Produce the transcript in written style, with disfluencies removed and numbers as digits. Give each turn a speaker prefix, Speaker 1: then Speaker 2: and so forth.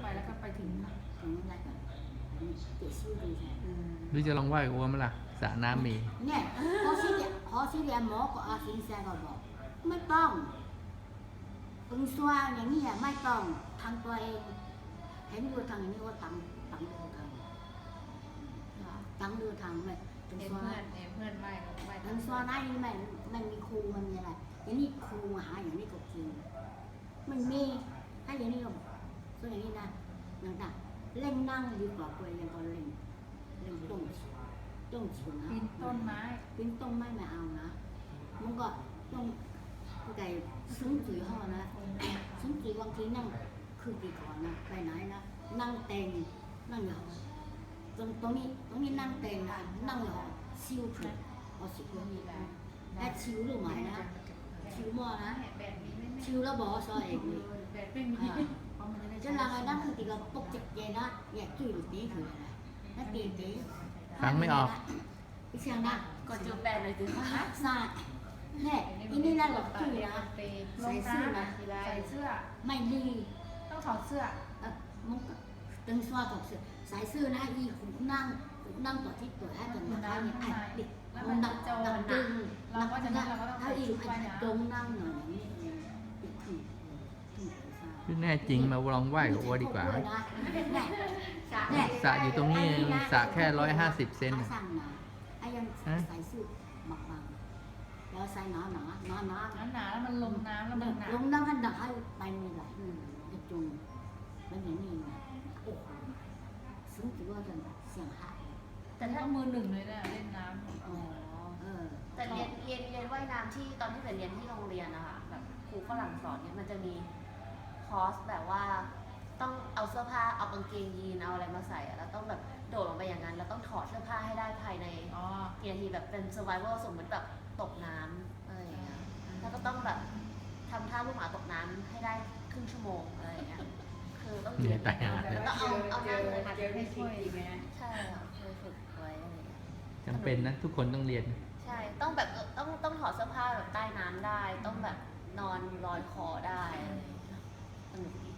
Speaker 1: ไปแล้วก็ไปถึงอะไรกันเจ็ดชื่อดีใช่
Speaker 2: หรือจะลองไหว้กับอ้วมล่ะสระน้ำมี
Speaker 1: เนี่ยพอที่เรียนหมอก็อาสินแซก็บอกไม่ต้องอึงซัวอย่างนี้ไม่ต้องทางตัวเองเห็นดูทางนี้ว่าตังดูทางไม่ถึงซัว
Speaker 3: เพื่อนไหว้
Speaker 1: ถึงซัวนั่นมันมีครูมันมีอะไรอย่างนี้ครูหาอย่างนี้ก็จริงมันมีถ้าอย่างนี้ก็ส่วนอย่างนี้นะนั่นน่ะเล่นนั่งดีกว่าคุยยังก็เล่นต้นเฉียวนะ
Speaker 3: ปีนต้นไม้
Speaker 1: ปีนต้นไม้ไม่เอานะมันก็ต้องไก่ซุ้มจีห่อนะซุ้มจีบางทีนั่งคือดีก่อนนะไปไหนนะนั่งเต็งนั่งอยู่ตรงนี้นั่งเต็งนะนั่งอยู่ชิวถูกเอาสิบมีแล้วแต่ชิวหรือไม่นะชิวมั่วนะชิวแล้วบอกซอยเองเลย
Speaker 3: แบบไม่มี
Speaker 1: จะลาไงนั่งคือตีกับปกจิตใจนะอยากจุ่ยหรือตีคืออะไรนั่นตี
Speaker 2: ฟังไม่ออก
Speaker 1: อีเชียงนะ
Speaker 3: ก็จุดแปดเลยถึง
Speaker 1: ฮะซาเนี่ยอีนี่นั่นหลอกจุ่ยนะใส่เสื้อนะ
Speaker 3: ใส่เสื้อ
Speaker 1: ไม่ดี
Speaker 3: ต้องถอดเสื้อ
Speaker 1: มันก็ตึงสวาถอดเสื้อใส่เสื้อนะอีหูนั่งต่อที่ตัวให้ตัวนั้นเนี่ยไอ้เด็กมันดังตึงเราก็จะถ้าอีไอ้ตรงนั่งหน่อยนี่
Speaker 2: ที่แน่จริงมาลองไหว้กับอ้วดีกว่าสระอยู่ตรงนี้สระแค่150 เซน
Speaker 1: ไอ้ยังใส่สูทบางๆแล้วใส่หนา
Speaker 3: แล้วมันลงน้ำแล้วมันหนา
Speaker 1: ลงน้ำกันหนาให้ไปไม่ไหลจะจุงแล้วอย่างนี้นะโอ้โหซึ่งถือว่าจะเสียงหาย
Speaker 3: แต่ถ้ามือหนึ่งเลยนะเล่นน้ำ
Speaker 4: แต่เรียนว่ายน้ำที่ตอนที่ไปเรียนที่โรงเรียนนะคะแบบครูฝรั่งสอนเนี่ยมันจะมีคอร์สแบบว่าต้องเอาเสื้อผ้าเอากางเกงยีนเอาอะไรมาใส่แล้วต้องแบบโดดลงไปอย่างนั้นแล้วต้องถอดเสื้อผ้าให้ได้ภายในกี่นาทีแบบเป็น survival สมมติแบบตกน้ำอะไรอย่างเงี้ยแล้วก็ต้องแบบทำท่าลูกหมาตกน้ำให้ได้ครึ่งชั่วโมงอะไรอย่างเงี้ยคือต้องเรียนแล้วก็เอาหน้าเลยค่ะ
Speaker 3: ให้ช่วย
Speaker 4: ใช่ค่ะเคยฝึกไว้อะไรอย่างเงี้ย
Speaker 2: จำเป็นนะทุกคนต้องเรียน
Speaker 4: ใช่ต้องแบบต้องถอดเสื้อผ้าแบบใต้น้ำได้ต้องแบบนอนลอยคอได้สนุกดี